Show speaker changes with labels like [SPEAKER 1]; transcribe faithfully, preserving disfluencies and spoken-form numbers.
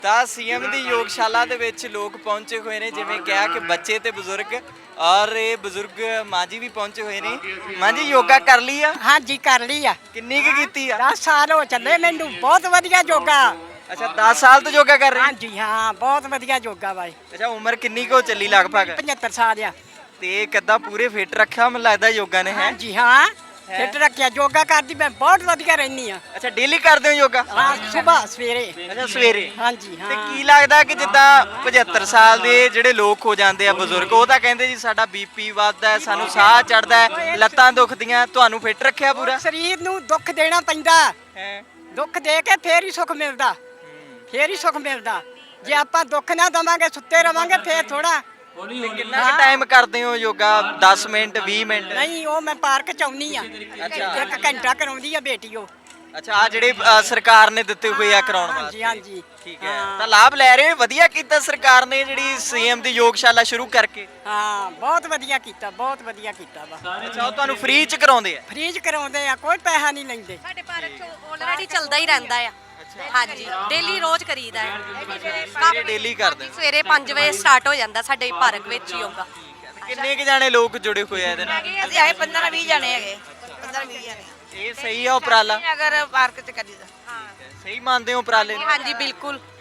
[SPEAKER 1] ਤਾਂ ਸੀਐਮ ਦੀ ਯੋਗਸ਼ਾਲਾ ਦੇ ਵਿੱਚ ਲੋਕ ਪਹੁੰਚੇ ਹੋਏ ਨੇ, ਜਿਵੇਂ ਕਿਹਾ ਕਿ ਬੱਚੇ ਤੇ ਬਜ਼ੁਰਗ, ਔਰ ਇਹ ਬਜ਼ੁਰਗ ਮਾਂ ਜੀ ਵੀ ਪਹੁੰਚੇ ਹੋਏ ਨੇ। ਮਾਂ ਜੀ ਯੋਗਾ ਕਰ ਲਈ ਆ?
[SPEAKER 2] ਹਾਂਜੀ ਕਰ ਲਈ ਆ।
[SPEAKER 1] ਕਿੰਨੀ ਕੁ ਕੀਤੀ ਆ?
[SPEAKER 2] ਦਸ ਸਾਲ ਹੋ ਚੱਲੇ ਮੈਨੂੰ। ਬਹੁਤ ਵਧੀਆ ਯੋਗਾ।
[SPEAKER 1] ਅੱਛਾ, ਦਸ ਸਾਲ ਤੋਂ ਯੋਗਾ ਕਰ ਰਹੇ?
[SPEAKER 2] ਹਾਂਜੀ ਹਾਂ, ਬਹੁਤ ਵਧੀਆ ਯੋਗਾ ਵਾ।
[SPEAKER 1] ਅੱਛਾ, ਉਮਰ ਕਿੰਨੀ ਕੁ ਹੋ ਚੱਲੀ ਲਗਭਗ?
[SPEAKER 2] ਪਝੱਤਰ ਸਾਲ ਆ।
[SPEAKER 1] ਤੇ ਕਿੱਦਾਂ ਪੂਰੇ ਫਿੱਟ ਰੱਖਿਆ ਮੈਨੂੰ ਲੱਗਦਾ ਯੋਗਾ ਨੇ, ਹੈ?
[SPEAKER 2] ਹਾਂਜੀ ਹਾਂ, ਫਿੱਟ ਰੱਖਿਆ। ਯੋਗਾ ਕਰਦੀ ਮੈਂ ਬਹੁਤ ਵਧੀਆ ਰਹਿਨੀ ਆ।
[SPEAKER 1] ਅੱਛਾ, ਡੇਲੀ ਕਰਦੇ ਹੋ ਯੋਗਾ?
[SPEAKER 2] ਹਾਂ, ਸਵੇਰ ਸਵੇਰੇ।
[SPEAKER 1] ਅੱਛਾ, ਸਵੇਰੇ।
[SPEAKER 2] ਹਾਂਜੀ
[SPEAKER 1] ਤੇ
[SPEAKER 2] ਹਾਂ।
[SPEAKER 1] ਕੀ ਲੱਗਦਾ ਕਿ ਜਿੱਦਾਂ ਪਝੱਤਰ ਸਾਲ ਦੇ ਜਿਹੜੇ ਲੋਕ ਹੋ ਜਾਂਦੇ ਆ ਬਜ਼ੁਰਗ, ਉਹ ਤਾਂ ਕਹਿੰਦੇ ਜੀ ਸਾਡਾ ਬੀਪੀ ਵੱਧਦਾ ਹੈ, ਸਾਨੂੰ ਸਾਹ ਚੜਦਾ ਹੈ, ਲੱਤਾਂ ਦੁਖਦੀਆਂ, ਤੁਹਾਨੂੰ ਫਿੱਟ ਰੱਖਿਆ ਪੂਰਾ?
[SPEAKER 2] ਸਰੀਰ ਨੂੰ ਦੁੱਖ ਦੇਣਾ ਪੈਂਦਾ।
[SPEAKER 1] ਹੈ।
[SPEAKER 2] ਦੁੱਖ ਦੇ ਕੇ ਫੇਰ ਹੀ ਸੁੱਖ ਮਿਲਦਾ। ਫੇਰ ਹੀ ਸੁੱਖ ਮਿਲਦਾ। ਜੇ ਆਪਾਂ ਦੁੱਖ ਨਾ ਦਵਾਂਗੇ, ਸੁੱਤੇ ਰਵਾਂਗੇ, ਫੇਰ ਥੋੜਾ।
[SPEAKER 1] ਤੇ ਕਿੰਨਾ ਕੁ ਟਾਈਮ ਕਰਦੇ ਹੋ ਯੋਗਾ? ਦਸ ਮਿੰਟ, ਵੀਹ ਮਿੰਟ?
[SPEAKER 2] ਨਹੀਂ, ਉਹ ਮੈਂ ਪਾਰਕ ਚ ਆਉਣੀ ਆ।
[SPEAKER 1] ਅੱਛਾ।
[SPEAKER 2] ਇੱਕ ਘੰਟਾ ਕਰਾਉਂਦੀ ਆ ਬੇਟੀ ਉਹ।
[SPEAKER 1] ਅੱਛਾ, ਆ ਜਿਹੜੇ ਅ, ਸਰਕਾਰ ਨੇ ਦਿੱਤੇ ਹੋਏ ਆ ਕਰਾਉਣ
[SPEAKER 2] ਹਾਂਜੀ
[SPEAKER 1] ਵਾਸਤੇ?
[SPEAKER 2] ਹਾਂਜੀ
[SPEAKER 1] ਠੀਕ ਹੈ, ਤਾਂ ਲਾਭ ਲੈ ਰਹੇ ਹੋ? ਵਧੀਆ ਕੀਤਾ ਸਰਕਾਰ ਨੇ ਜਿਹੜੀ ਸੀਐਮ ਦੀ ਯੋਗਸ਼ਾਲਾ ਸ਼ੁਰੂ ਕਰਕੇ।
[SPEAKER 2] ਹਾਂ, ਬਹੁਤ ਵਧੀਆ ਕੀਤਾ, ਬਹੁਤ ਵਧੀਆ ਕੀਤਾ ਵਾ।
[SPEAKER 1] ਅੱਛਾ, ਉਹ ਤੁਹਾਨੂੰ ਫ੍ਰੀ ਚ ਕਰਾਉਂਦੇ ਆ?
[SPEAKER 2] ਫ੍ਰੀ ਚ ਕਰਾਉਂਦੇ ਆ, ਕੋਈ ਪੈਸਾ ਨਹੀਂ ਲੈਂਦੇ।
[SPEAKER 3] ਸਾਡੇ ਪਾਰਕ ਚ ਆਲਰੇਡੀ ਚੱਲਦਾ ਹੀ ਰਹਿੰਦਾ ਆ। ਹਾਂਜੀ, ਡੇਲੀ ਰੋਜ਼ ਕਰੀਦਾ ਹੈ।
[SPEAKER 1] ਸਵੇਰੇ ਡੇਲੀ ਕਰਦੇ ਹੋ?
[SPEAKER 3] ਸਵੇਰੇ ਪੰਜ ਵਜੇ ਸਟਾਰਟ ਹੋ ਜਾਂਦਾ ਸਾਡੇ ਪਾਰਕ ਵਿੱਚ ਯੋਗਾ।
[SPEAKER 1] ਕਿੰਨੇ ਕੁ ਜਾਣੇ ਲੋਕ ਜੁੜੇ ਹੋਏ ਆ ਇਹਦੇ ਨਾਲ?
[SPEAKER 4] ਅਸੀਂ ਆਏ ਪੰਦਰਾਂ ਵੀਹ ਜਣੇ ਹੈਗੇ। ਪੰਦਰਾਂ ਵੀਹ ਜਣੇ
[SPEAKER 1] ਇਹ ਸਹੀ ਆ ਉਪਰਾਲਾ?
[SPEAKER 4] ਅਗਰ ਪਾਰਕ ਚ ਕਰੀਦਾ।
[SPEAKER 1] ਸਹੀ ਮੰਨਦੇ ਹੋ ਉਪਰਾਲੇ ਨੂੰ?
[SPEAKER 3] ਹਾਂਜੀ ਬਿਲਕੁਲ।